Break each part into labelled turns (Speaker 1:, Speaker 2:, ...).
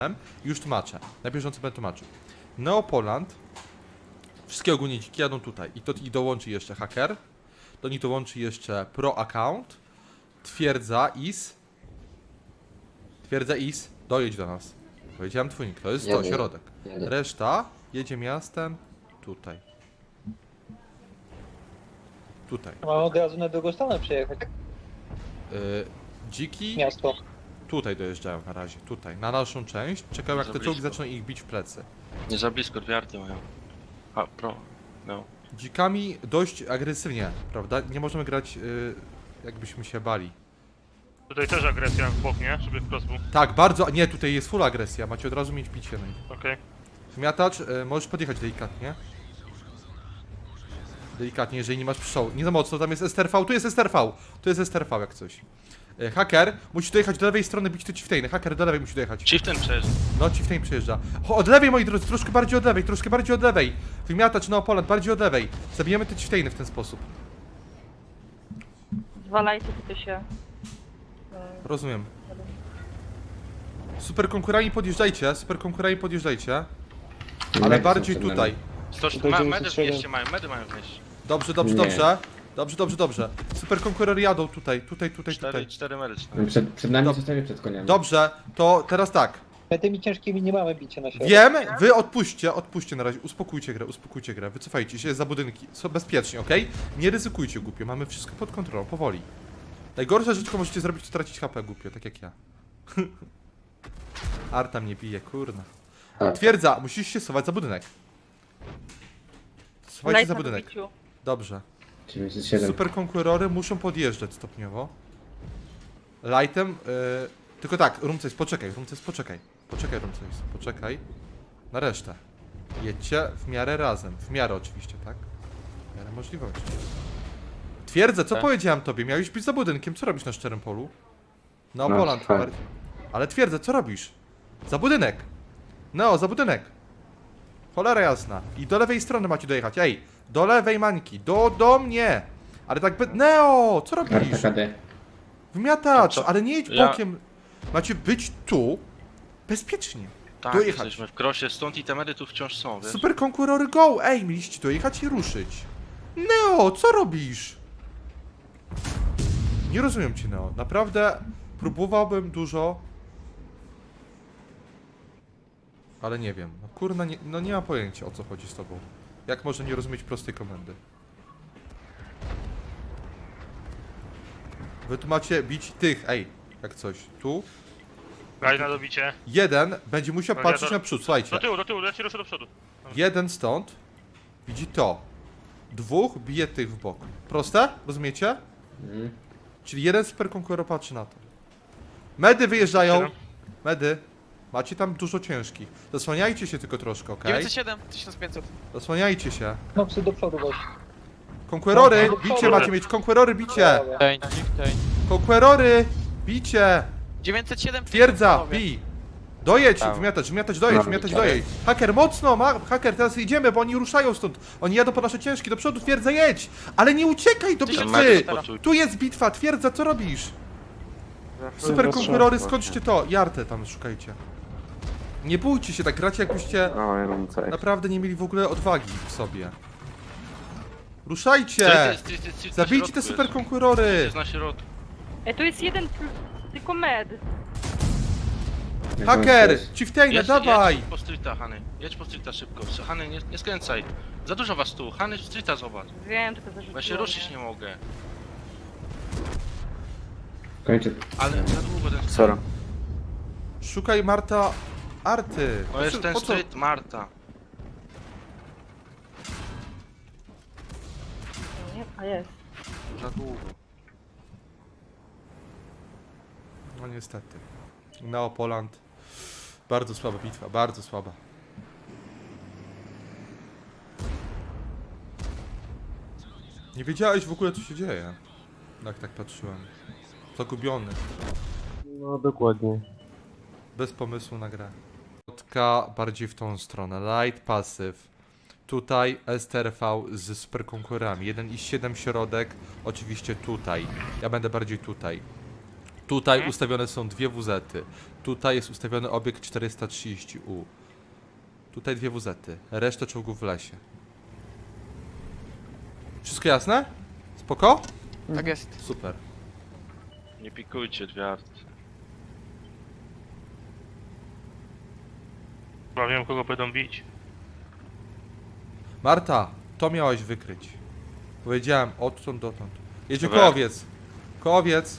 Speaker 1: Już tłumaczę. Na bieżąco będę tłumaczył. Neopoland. Wszystkie ogólnie dziki jadą tutaj. I dołączy jeszcze haker. Do nich dołączy jeszcze pro account. Twierdza is. Dojedź do nas. Powiedziałem twój, to jest to, środek. Reszta jedzie miastem tutaj. Tutaj.
Speaker 2: Mamy od razu na drugą stronę przejechać.
Speaker 1: Dziki
Speaker 2: Miasto.
Speaker 1: tutaj dojeżdżają na razie, tutaj, na naszą część. Czekają jak
Speaker 3: Za
Speaker 1: te czołgi
Speaker 3: blisko.
Speaker 1: zaczną ich bić w plecy.
Speaker 3: Nie za blisko, dwie arty mają. A, pro. No.
Speaker 1: Dzikami dość agresywnie, prawda? Nie możemy grać jakbyśmy się bali.
Speaker 4: Tutaj też agresja w bok, nie? Żeby wprost był.
Speaker 1: Tak, bardzo, nie, tutaj jest full agresja, macie od razu mieć bicie na nich.
Speaker 4: Okej.
Speaker 1: Zmiatacz, możesz podjechać delikatnie. Delikatnie, jeżeli nie masz pszczół. Nie za mocno, tam jest STRV, tu jest STRV. Tu jest STRV jak coś. Haker, musi dojechać do lewej strony, bić te chieftainy. Haker do lewej musi dojechać.
Speaker 3: Chieftain przejeżdża.
Speaker 1: No, chieftain przejeżdża. Od lewej, moi drodzy, troszkę bardziej od lewej, troszkę bardziej od lewej. Wymiatacz Neopoland, bardziej od lewej. Zabijemy te chieftainy w ten sposób.
Speaker 5: Zwalajcie tutaj się.
Speaker 1: Rozumiem. Super konkurami podjeżdżajcie, ale bardziej tutaj.
Speaker 3: Medy wnieście mają, medy mają wnieść.
Speaker 1: Dobrze. Dobrze. Super konkurory jadą tutaj.
Speaker 3: Cztery medy.
Speaker 6: Przed nami
Speaker 1: Dob-
Speaker 6: zostali przed koniami.
Speaker 1: Dobrze, to teraz tak.
Speaker 2: My tymi ciężkimi nie mamy bicia na siebie.
Speaker 1: Wiem, wy odpuśćcie na razie, uspokójcie grę, wycofajcie się za budynki, są bezpiecznie, okej? Nie ryzykujcie głupio, mamy wszystko pod kontrolą, powoli. Najgorsza rzecz, jaką możecie zrobić, to tracić HP głupio, tak jak ja. Arta mnie bije, kurna.
Speaker 6: Tak.
Speaker 1: Twierdza, musisz się schować za budynek. Schowajcie
Speaker 5: Light
Speaker 1: za
Speaker 5: na
Speaker 1: budynek.
Speaker 5: dobiciu.
Speaker 1: Dobrze.
Speaker 6: 97.
Speaker 1: Super konkurory muszą podjeżdżać stopniowo. Lightem, tylko tak, Rumces, poczekaj. Poczekaj. Na resztę. Jedźcie w miarę razem. W miarę oczywiście, tak? W miarę możliwości. Twierdzę, co
Speaker 3: Tak.
Speaker 1: powiedziałem tobie? Miałeś być za budynkiem, co robisz na szczerym polu? Neopoland.
Speaker 6: tak.
Speaker 1: bardziej. Ale twierdzę, co robisz? Za budynek. Neo, za budynek. Cholera jasna. I do lewej strony macie dojechać. Ej, do lewej mańki. Do mnie. Ale tak Neo, co robisz?
Speaker 6: Arta KD.
Speaker 1: Wymiatacz,
Speaker 3: Co?
Speaker 1: ale nie jedź
Speaker 3: Ja-
Speaker 1: bokiem. Macie być tu bezpiecznie.
Speaker 3: Tak,
Speaker 1: Dojechać.
Speaker 3: jesteśmy w krosie, stąd i te medy tu wciąż są, wiesz?
Speaker 1: Super konkurory go! Ej, mieliście dojechać i ruszyć. Neo, co robisz? Nie rozumiem cię, Neo. Naprawdę próbowałbym dużo. Ale nie wiem. No kurna, nie mam pojęcia, o co chodzi z tobą. Jak może nie rozumieć prostej komendy? Wy tu macie bić tych, ej, jak coś. Tu.
Speaker 4: Light na dobicie.
Speaker 1: Jeden będzie musiał
Speaker 4: Radiator.
Speaker 1: patrzeć na przód, słuchajcie.
Speaker 4: Do tyłu, ja ci ruszę do przodu.
Speaker 1: Jeden stąd widzi to. Dwóch bije tych w bok. Proste? Rozumiecie? Czyli jeden super konkuror patrzy na to. Medy wyjeżdżają.
Speaker 4: Siedem.
Speaker 1: Medy. Macie tam dużo ciężkich. Zasłaniajcie się tylko troszkę, okej?
Speaker 7: 907, 1500.
Speaker 1: Zasłaniajcie się.
Speaker 2: No psy do przodu weź.
Speaker 1: Konkurory,
Speaker 2: No,
Speaker 1: bicie
Speaker 2: dobra.
Speaker 1: macie mieć. Konkurory, bicie.
Speaker 2: Dobra.
Speaker 1: Konkurory, bicie.
Speaker 7: 907,
Speaker 1: Twierdza, bij. Dojedź,
Speaker 7: Tak.
Speaker 1: wymiatać, dojedź. Haker, mocno, haker, teraz idziemy, bo oni ruszają stąd. Oni jadą po nasze ciężki, do przodu, twierdza, jedź. Ale nie uciekaj do
Speaker 3: Te medy
Speaker 1: bitwy.
Speaker 3: spoczuj.
Speaker 1: Tu jest bitwa, twierdza, co robisz? Super konkurory, skończcie to. Jartę tam szukajcie. Nie bójcie się, tak gracie jakbyście naprawdę nie mieli w ogóle odwagi w sobie. Ruszajcie! Zabijcie te super konkurory!
Speaker 3: Jest na środku.
Speaker 5: Ej, tu jest jeden tylko med.
Speaker 1: Haker! Chieftainę, dawaj!
Speaker 3: Jedź po streeta, Hany. Jedź po streeta szybko. Hany, nie skręcaj. Za dużo was tu. Hany, streeta zobacz.
Speaker 5: Wiem, tylko zarzuciłem.
Speaker 3: Bo ja się ruszyć nie mogę.
Speaker 6: Kończę.
Speaker 3: Ale za długo ten...
Speaker 6: Sora.
Speaker 1: Szukaj Marta Arty.
Speaker 3: No jest ten
Speaker 1: Po co?
Speaker 3: street, Marta.
Speaker 5: Nie, a jest.
Speaker 3: Za długo.
Speaker 1: No niestety. Neopoland. Bardzo słaba bitwa, bardzo słaba. Nie wiedziałeś w ogóle co się dzieje. Jak tak patrzyłem. Zagubiony.
Speaker 8: No dokładnie.
Speaker 1: Bez pomysłu na grę. Kotka bardziej w tą stronę. Light pasyw. Tutaj STRV z super konkurami. 1,7 środek. Oczywiście tutaj. Ja będę bardziej tutaj. Tutaj ustawione są dwie WZ-y. Tutaj jest ustawiony obiekt 430U. Tutaj dwie WZ-y. Resztę czołgów w lesie. Wszystko jasne? Spoko?
Speaker 7: Tak jest.
Speaker 1: Super.
Speaker 3: Nie pikujcie dwie arty.
Speaker 4: Chyba wiem, kogo będą bić.
Speaker 1: Marta, to miałaś wykryć. Powiedziałem odtąd dotąd. Jedzie
Speaker 3: Dobra.
Speaker 1: kołowiec. Kołowiec.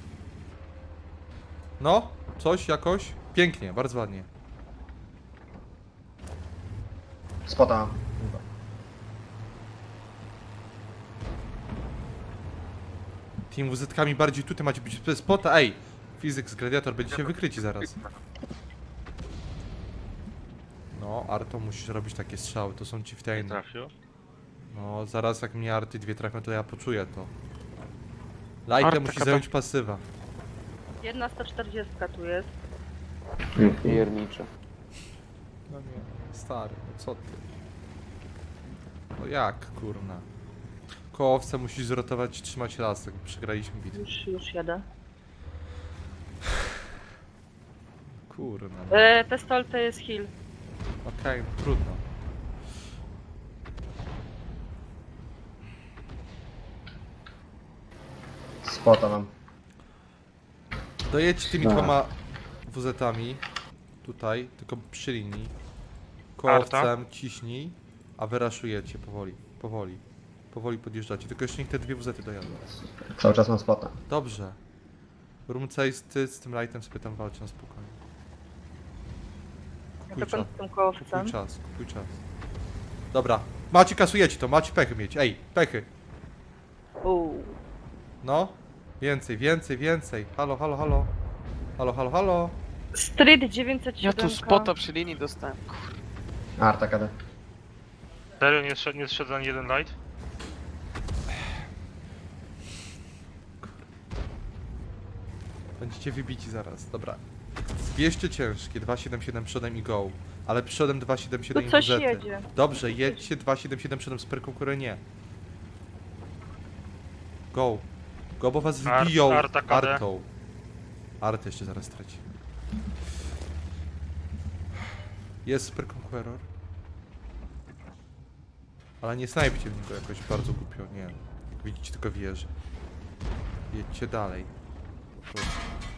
Speaker 1: No, coś jakoś. Pięknie, bardzo ładnie.
Speaker 6: Spota.
Speaker 1: Tymi WZ-kami bardziej tutaj macie być spota. Ej, Physics Gladiator, będziecie wykryci zaraz. No, Arto, musisz robić takie strzały, to są ci w
Speaker 3: Nie
Speaker 1: tej.
Speaker 3: trafił.
Speaker 1: No, zaraz jak mnie Arty dwie trafią, to ja poczuję to. Lajkę
Speaker 7: Arta
Speaker 1: musi
Speaker 7: kata.
Speaker 1: zająć pasywa.
Speaker 5: Jedna 140 tu jest.
Speaker 8: Piernicze.
Speaker 1: No nie, stary, no co ty? No jak, kurna? Kołowce musisz zrotować, trzymać lasek, przegraliśmy bitwę.
Speaker 5: Już jadę.
Speaker 1: Kurna. No.
Speaker 5: Pestol to jest heal.
Speaker 1: Okej, no, trudno.
Speaker 6: Spota mam.
Speaker 1: Dojedź tymi
Speaker 6: Tak.
Speaker 1: dwoma WZ-ami. Tutaj, tylko przy linii. Kołowcem ciśnij, a wyraszujecie powoli, powoli. Powoli podjeżdżacie, tylko jeszcze niech te dwie WZ-y dojadą.
Speaker 6: Cały czas mam spota.
Speaker 1: Dobrze. Rumcej z tym lightem sobie tam walczy na spokojnie.
Speaker 5: Ja
Speaker 1: Kupuj
Speaker 5: to
Speaker 1: czas,
Speaker 5: z tym kołowcem.
Speaker 1: kupuj czas, kupuj czas. Dobra, macie kasujecie to, macie pechy mieć, ej, pechy. No, więcej, więcej, więcej. Halo, halo, halo. Halo, halo, halo.
Speaker 5: Street 907.
Speaker 7: Ja tu spota przy linii dostałem.
Speaker 6: Arta KD.
Speaker 4: Serio, nie zszedł ani jeden light?
Speaker 1: Będziecie wybici zaraz, dobra. Zbierzcie ciężkie, 277 przodem i go. Ale przodem 277
Speaker 5: Tu
Speaker 1: i
Speaker 5: coś
Speaker 1: WZ-y.
Speaker 5: jedzie.
Speaker 1: Dobrze, jedźcie 277 przodem z perkonkurem nie. Go. Go, bo was wbiją
Speaker 4: Arta KD.
Speaker 1: Artą. Artę jeszcze zaraz traci. Jest Super Conqueror. Ale nie snajpcie w niego jakoś bardzo głupio, nie. Jak widzicie, tylko wieży. Jedźcie dalej. Po prostu.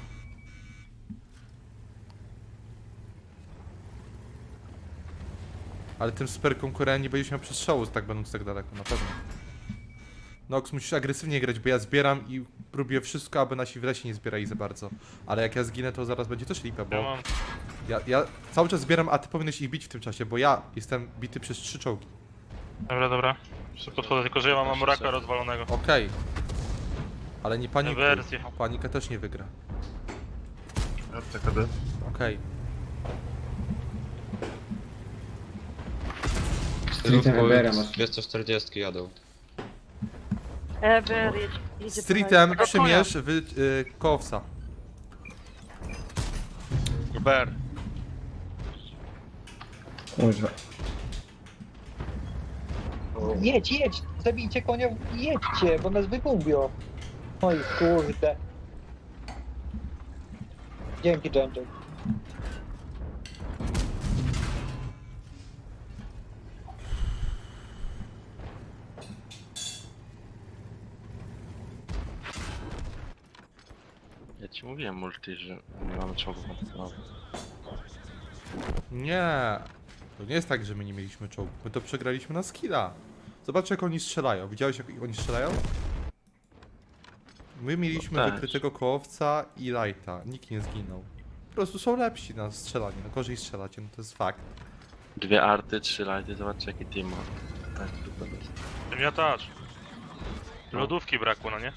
Speaker 1: Ale tym Super Conquerorem nie będziesz miał przestrzału, tak będąc tak daleko, na pewno. Nox, musisz agresywnie grać, bo ja zbieram i próbuję wszystko, aby nasi w lesie nie zbierali za bardzo. Ale jak ja zginę, to zaraz będzie też lipa,
Speaker 4: Ja
Speaker 1: bo
Speaker 4: mam.
Speaker 1: ja cały czas zbieram, a ty powinieneś ich bić w tym czasie, bo ja jestem bity przez 3 czołgi.
Speaker 4: Dobra, dobra. Jeszcze podchodzę, tylko że ja mam Amuraka rozwalonego.
Speaker 1: Okej. Ale nie panikuj.
Speaker 4: Wersję.
Speaker 1: Panika też nie wygra. Okej.
Speaker 6: Streetem Embera masz.
Speaker 9: 240 jadą.
Speaker 5: Ever jedzie
Speaker 1: Streetem
Speaker 5: po
Speaker 1: przymierz kołowca.
Speaker 3: Gruber.
Speaker 6: Kurwa.
Speaker 2: Jedź, jedź! Zabijcie konia i jedźcie, bo nas wygłubią. Oj kurde. Dzięki, Dżędżek.
Speaker 3: Ja ci mówiłem multi, że nie mamy czołgów na podstawie.
Speaker 1: Nie. To nie jest tak, że my nie mieliśmy czołgów. My to przegraliśmy na skilla. Zobacz jak oni strzelają. Widziałeś jak oni strzelają? My mieliśmy
Speaker 3: No też.
Speaker 1: wykrytego kołowca i lighta. Nikt nie zginął. Po prostu są lepsi na strzelanie. No gorzej strzelacie, no to jest fakt.
Speaker 3: Dwie arty, 3 lighty, zobaczcie jaki team ma. Tak, to jest.
Speaker 4: Miotacz. Lodówki brakło, no nie?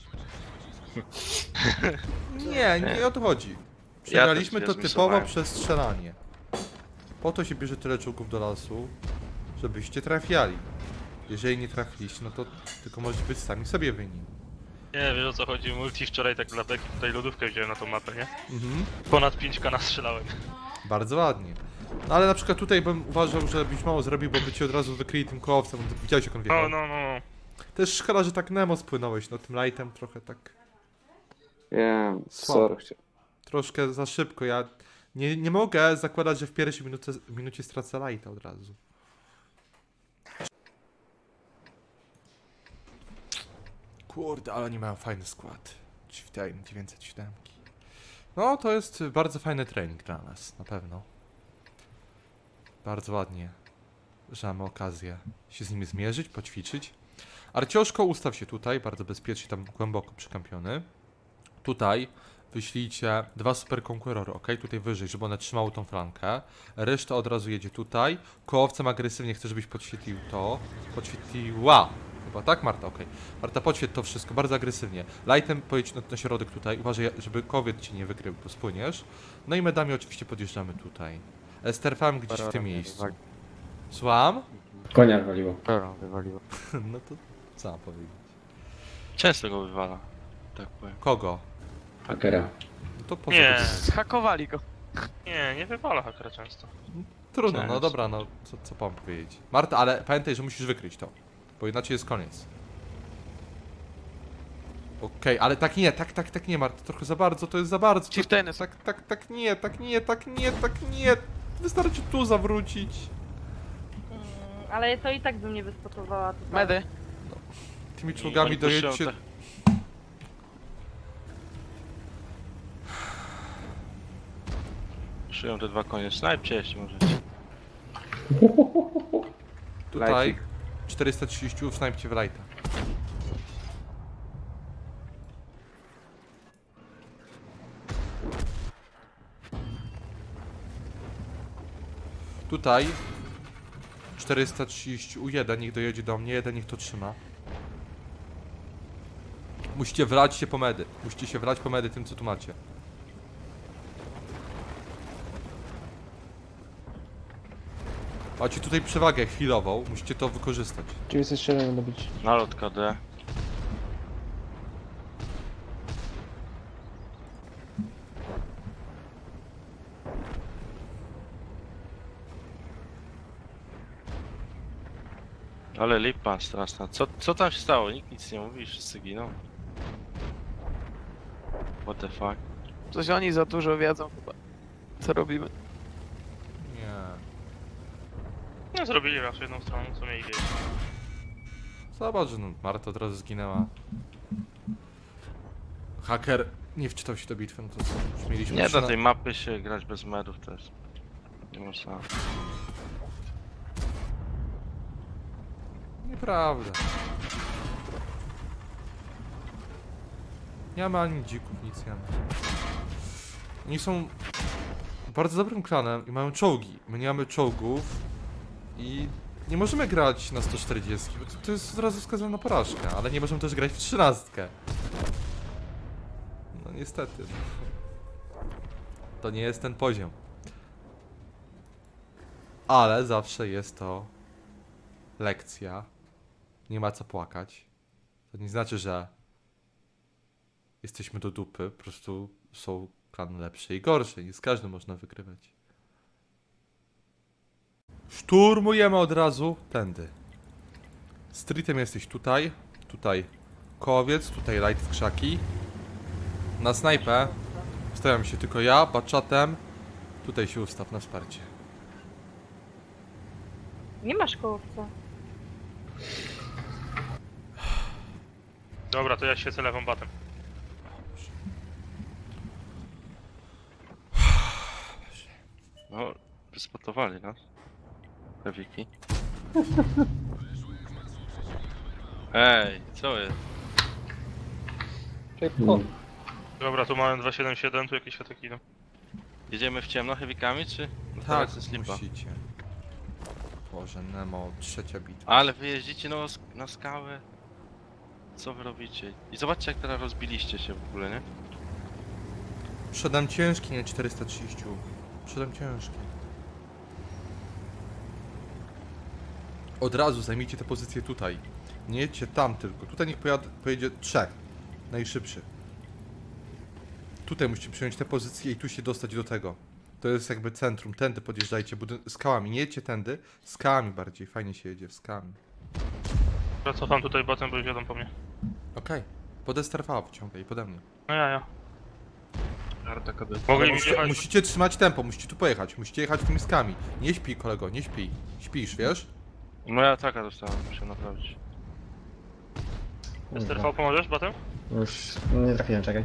Speaker 1: Nie o to chodzi. Przegraliśmy
Speaker 3: też
Speaker 1: to
Speaker 3: wiesz,
Speaker 1: typowo
Speaker 3: misowałem.
Speaker 1: przez strzelanie. Po to się bierze tyle czołgów do lasu, żebyście trafiali. Jeżeli nie trafiliście, no to tylko możecie być sami sobie winni.
Speaker 4: Nie, wiesz o co chodzi, multi wczoraj tak dla beki tutaj lodówkę wziąłem na tą mapę, nie?
Speaker 1: Mhm.
Speaker 4: Ponad 5K nastrzelałem.
Speaker 1: Bardzo ładnie. No ale na przykład tutaj bym uważał, że byś mało zrobił, bo by cię od razu wykryli tym kołowcem, bo widziałeś jak on wjechał.
Speaker 4: No.
Speaker 1: Też szkoda, że tak Nemo spłynąłeś, no tym lightem trochę tak...
Speaker 8: Wiem,
Speaker 1: Słabo.
Speaker 8: sorry.
Speaker 1: Troszkę za szybko, ja nie mogę zakładać, że w pierwszej minucie stracę lighta od razu. Kurde, ale oni mają fajny skład. Chieftain 907. No, to jest bardzo fajny trening dla nas, na pewno. Bardzo ładnie, że mamy okazję się z nimi zmierzyć, poćwiczyć. Arcioszko, ustaw się tutaj, bardzo bezpiecznie, tam głęboko przykampiony. Tutaj wyślijcie 2 super konkurory, ok? Tutaj wyżej, żeby one trzymały tą flankę. Reszta od razu jedzie tutaj. Kołowcem agresywnie chcę, żebyś podświetlił to. Podświetliła. Chyba tak, Marta? Ok. Marta, podświetl to wszystko, bardzo agresywnie. Lightem pojedź na środek tutaj. Uważaj, żeby kowiet ci nie wykrył, bo spłyniesz. No i medami oczywiście podjeżdżamy tutaj. Sterfałem gdzieś w tym miejscu. Słucham?
Speaker 6: Konia waliło.
Speaker 8: Wywaliło.
Speaker 1: No to co mam powiedzieć?
Speaker 3: Często go wywala. Tak powiem.
Speaker 1: Kogo?
Speaker 6: Hakera.
Speaker 1: No to po co
Speaker 4: Nie.
Speaker 1: to-
Speaker 7: Zhakowali go.
Speaker 4: Nie wywala hakera często.
Speaker 1: Trudno, no
Speaker 3: Często.
Speaker 1: dobra, no co mam powiedzieć. Marta, ale pamiętaj, że musisz wykryć to, bo inaczej jest koniec. Okej, ale tak nie, tak nie, Marta, trochę za bardzo, to jest za bardzo. To,
Speaker 7: Chieftainy są.
Speaker 1: tak nie. Wystarczy tu zawrócić.
Speaker 5: Ale to i tak bym nie wyspotowała tutaj.
Speaker 7: Medy.
Speaker 1: Tymi czołgami
Speaker 3: Oni puszczą
Speaker 1: dojedźcie.
Speaker 3: te- Szyją te 2 konie. Snajpcie jeśli możecie.
Speaker 1: Tutaj
Speaker 8: Lajcik.
Speaker 1: 430, snajpcie w lighta. Tutaj 430 U1, niech dojedzie do mnie, jeden niech to trzyma. Musicie wlać się po medy. Musicie się wlać po medy tym, co tu macie. Macie tutaj przewagę chwilową, musicie to wykorzystać.
Speaker 2: 907 będą być.
Speaker 3: Nalot KD. Ale lipa straszna. Co tam się stało? Nikt nic nie mówi, wszyscy giną. What the fuck?
Speaker 7: Coś oni za dużo wiedzą chyba. Co robimy?
Speaker 1: Nie.
Speaker 4: No zrobili raz jedną stroną, co mieli wiedzieć.
Speaker 1: Zobacz, że no, Marta od razu zginęła. Haker nie wczytał się do bitwy, no to co? Już mieliśmy
Speaker 3: Nie
Speaker 1: trzy
Speaker 3: da tej mapy się grać bez medów też. Nie można.
Speaker 1: Nieprawda. Nie mamy ani dzików, nic nie mamy. Oni są bardzo dobrym klanem i mają czołgi. My nie mamy czołgów i nie możemy grać na 140, bo to jest od razu wskazane na porażkę, ale nie możemy też grać w 13. No niestety. To nie jest ten poziom. Ale zawsze jest to lekcja. Nie ma co płakać. To nie znaczy, że jesteśmy do dupy. Po prostu są klany lepsze i gorsze. Nie z każdym można wygrywać. Szturmujemy od razu tędy. Streetem jesteś tutaj. Tutaj kołowiec. Tutaj light w krzaki. Na snajpę stawiam się tylko ja, baczatem. Tutaj się ustaw na wsparcie.
Speaker 5: Nie masz kołowca.
Speaker 4: Dobra, to ja świecę lewą batem.
Speaker 3: No, wyspotowali nas. Pewiki. Ej, co jest?
Speaker 2: O,
Speaker 4: Dobra, tu mamy 277, tu jakieś światek idą.
Speaker 3: Jedziemy w ciemno heavykami, czy? No
Speaker 1: Tak,
Speaker 3: teraz jest lipa.
Speaker 1: musicie. Boże, Nemo, trzecia bitwa.
Speaker 3: Ale wy jeździcie na skałę. Co wy robicie? I zobaczcie jak teraz rozbiliście się w ogóle, nie?
Speaker 1: Przedam ciężki, nie 430. Przedam ciężki. Od razu zajmijcie te pozycje tutaj. Nie jedźcie tam tylko. Tutaj niech pojedzie 3. Najszybszy. Tutaj musicie przyjąć te pozycje i tu się dostać do tego. To jest jakby centrum. Tędy podjeżdżajcie skałami. Nie jedźcie tędy. Skałami bardziej. Fajnie się jedzie. Skałami.
Speaker 4: Dobra, cofam tutaj batem, bo już jadą po mnie.
Speaker 1: Okej. Pod STRV wciągaj. Pode mnie.
Speaker 4: No ja. Harta KD.
Speaker 1: Ale
Speaker 4: Mogli mi wjechać.
Speaker 1: musicie trzymać tempo, musicie tu pojechać, musicie jechać tymi skami. Nie śpij, kolego, nie śpij. Śpisz, wiesz?
Speaker 3: No ja taka dostałem, muszę naprawić.
Speaker 4: STRV pomożesz, batem?
Speaker 9: Już nie trafiłem, czekaj.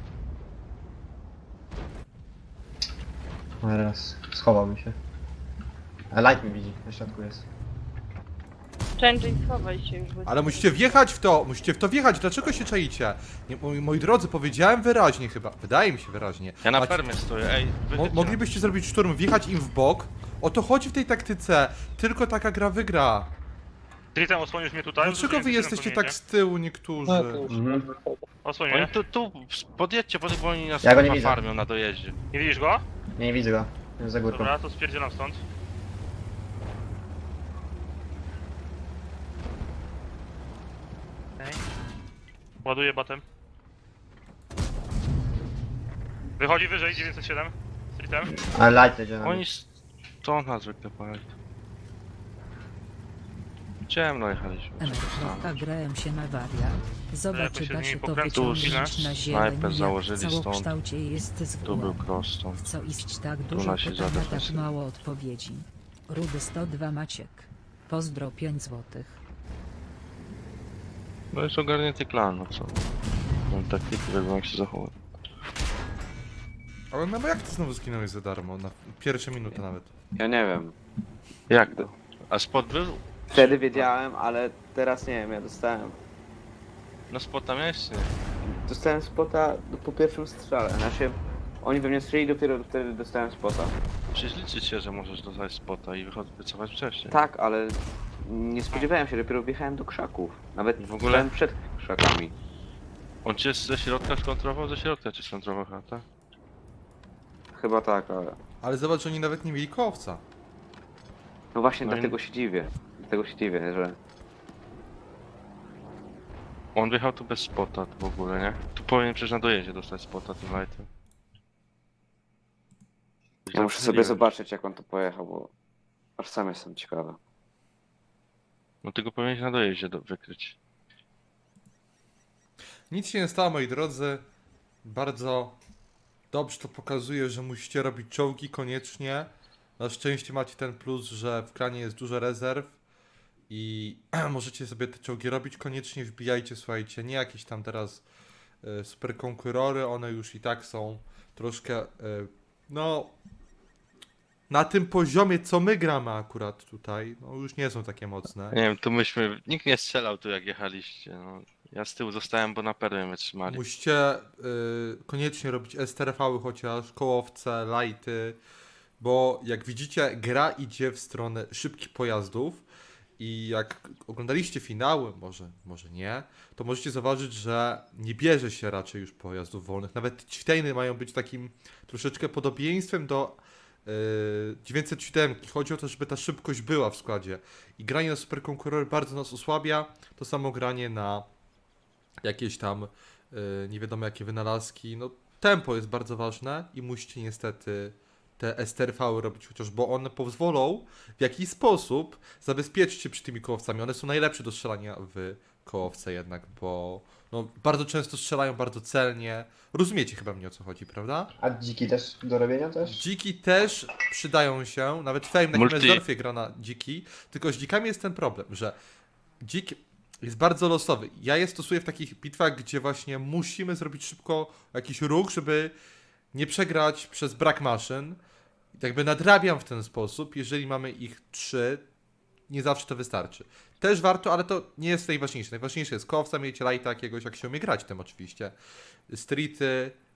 Speaker 9: Teraz schowałbym się. A light mi widzi, na środku jest.
Speaker 5: Change, schowaj się już. bo-
Speaker 1: Ale musicie wjechać w to, musicie w to wjechać, dlaczego się czaicie? Nie, moi drodzy, powiedziałem wyraźnie chyba, wydaje mi się wyraźnie.
Speaker 3: Ja na
Speaker 1: Macie-
Speaker 3: permie stoję, ej, wyjedźcie.
Speaker 1: Moglibyście zrobić szturm, wjechać im w bok. O to chodzi w tej taktyce, tylko taka gra wygra.
Speaker 4: Tritem, osłonisz mnie tutaj?
Speaker 1: Dlaczego wy jesteście tak z tyłu niektórzy?
Speaker 2: No to już.
Speaker 4: Osłoń
Speaker 3: Oni
Speaker 4: mnie.
Speaker 3: tu, podjedźcie, bo oni nas
Speaker 9: Ja go nie
Speaker 3: chyba
Speaker 9: widzę.
Speaker 3: farmią na dojeździe.
Speaker 4: Nie widzisz go?
Speaker 9: Nie widzę go. Jest za górką.
Speaker 4: Dobra, to spierdzielam stąd. Okej. Ładuję batem. Wychodzi wyżej, 907. Streetem.
Speaker 9: Ale light jedzie na
Speaker 3: Oni
Speaker 9: mnie.
Speaker 3: stąd nas zwykle pojechali. Ciemno jechaliśmy.
Speaker 10: Grałem się na waria. Zobacz,
Speaker 4: to się
Speaker 10: czy da
Speaker 4: z
Speaker 10: się
Speaker 4: nimi
Speaker 10: to
Speaker 4: pokręcił,
Speaker 10: wyciągnąć
Speaker 3: chwilę.
Speaker 10: na zieleń.
Speaker 3: Snajper założyli
Speaker 10: W
Speaker 3: stąd.
Speaker 10: całokształcie jest z
Speaker 3: Tu był
Speaker 10: góry.
Speaker 3: prostą.
Speaker 10: Co iść tak
Speaker 3: Tu
Speaker 10: dużo
Speaker 3: nasi
Speaker 10: pytań, a tak
Speaker 3: zadefensywni.
Speaker 10: mało odpowiedzi. Rudy 102 Maciek. Pozdro 5 złotych.
Speaker 3: No jest ogarnięty klan, no co? Mam taktyki, wiadomo jak się zachować.
Speaker 1: Ale no bo jak ty znowu zginąłeś za darmo, na pierwsze minuty nawet.
Speaker 8: Ja nie wiem.
Speaker 3: Jak to? A spot był?
Speaker 8: Wtedy wiedziałem, ale teraz nie wiem, ja dostałem.
Speaker 3: No spot tam jest, nie?
Speaker 8: Dostałem spota po pierwszym strzale. Znaczy, oni we mnie strzelili, dopiero wtedy dostałem spota.
Speaker 3: Przecież liczyć się, że możesz dostać spota i wycofać wcześniej.
Speaker 8: Tak, ale nie spodziewałem się, dopiero wjechałem do krzaków. Nawet
Speaker 3: W ogóle?
Speaker 8: byłem przed krzakami.
Speaker 3: On cię ze środka skontrował? Ze środka cię skontrował chata?
Speaker 8: Chyba tak, ale...
Speaker 1: Ale zobacz, że oni nawet nie mieli kołowca.
Speaker 8: No właśnie,
Speaker 3: No i-
Speaker 8: dlatego się dziwię. Dlatego się dziwię, że...
Speaker 3: On wjechał tu bez spota w ogóle, nie? Tu powinien przecież na dojeździe dostać spota tym lightem.
Speaker 8: Ja muszę sobie zobaczyć, jak on to pojechał, bo... Aż sam jestem ciekawy.
Speaker 3: No tylko powinieneś na dojeździe wykryć.
Speaker 1: Nic się nie stało, moi drodzy. Bardzo dobrze to pokazuje, że musicie robić czołgi koniecznie. Na szczęście macie ten plus, że w klanie jest dużo rezerw i możecie sobie te czołgi robić. Koniecznie wbijajcie, słuchajcie, nie jakieś tam teraz super konkurory, one już i tak są troszkę, no, na tym poziomie, co my gramy akurat tutaj, no już nie są takie mocne.
Speaker 3: Nie wiem, tu myśmy... Nikt nie strzelał tu jak jechaliście, no. Ja z tyłu zostałem, bo na permie mnie trzymali.
Speaker 1: Musicie koniecznie robić STRV-y chociaż, kołowce, lighty, bo jak widzicie, gra idzie w stronę szybkich pojazdów i jak oglądaliście finały, może nie, to możecie zauważyć, że nie bierze się raczej już pojazdów wolnych. Nawet ćwitejny mają być takim troszeczkę podobieństwem do 907. Chodzi o to, żeby ta szybkość była w składzie. I granie na superkonkurory bardzo nas osłabia. To samo granie na jakieś tam nie wiadomo jakie wynalazki. No, tempo jest bardzo ważne i musicie niestety te STRV robić, chociaż bo one pozwolą w jakiś sposób zabezpieczyć się przy tymi kołowcami. One są najlepsze do strzelania w kołowce jednak, bo no, bardzo często strzelają bardzo celnie. Rozumiecie chyba mnie, o co chodzi, prawda?
Speaker 9: A dziki też do robienia też?
Speaker 1: Dziki też przydają się, nawet Fame na
Speaker 3: Multi.
Speaker 1: Kimmelsdorfie gra na dziki, tylko z dzikami jest ten problem, że dzik jest bardzo losowy. Ja je stosuję w takich bitwach, gdzie właśnie musimy zrobić szybko jakiś ruch, żeby nie przegrać przez brak maszyn. I tak jakby nadrabiam w ten sposób, jeżeli mamy ich 3, nie zawsze to wystarczy. Też warto, ale to nie jest najważniejsze. Najważniejsze jest kołowca, mieć lighta jakiegoś, jak się umie grać tym oczywiście. Streety,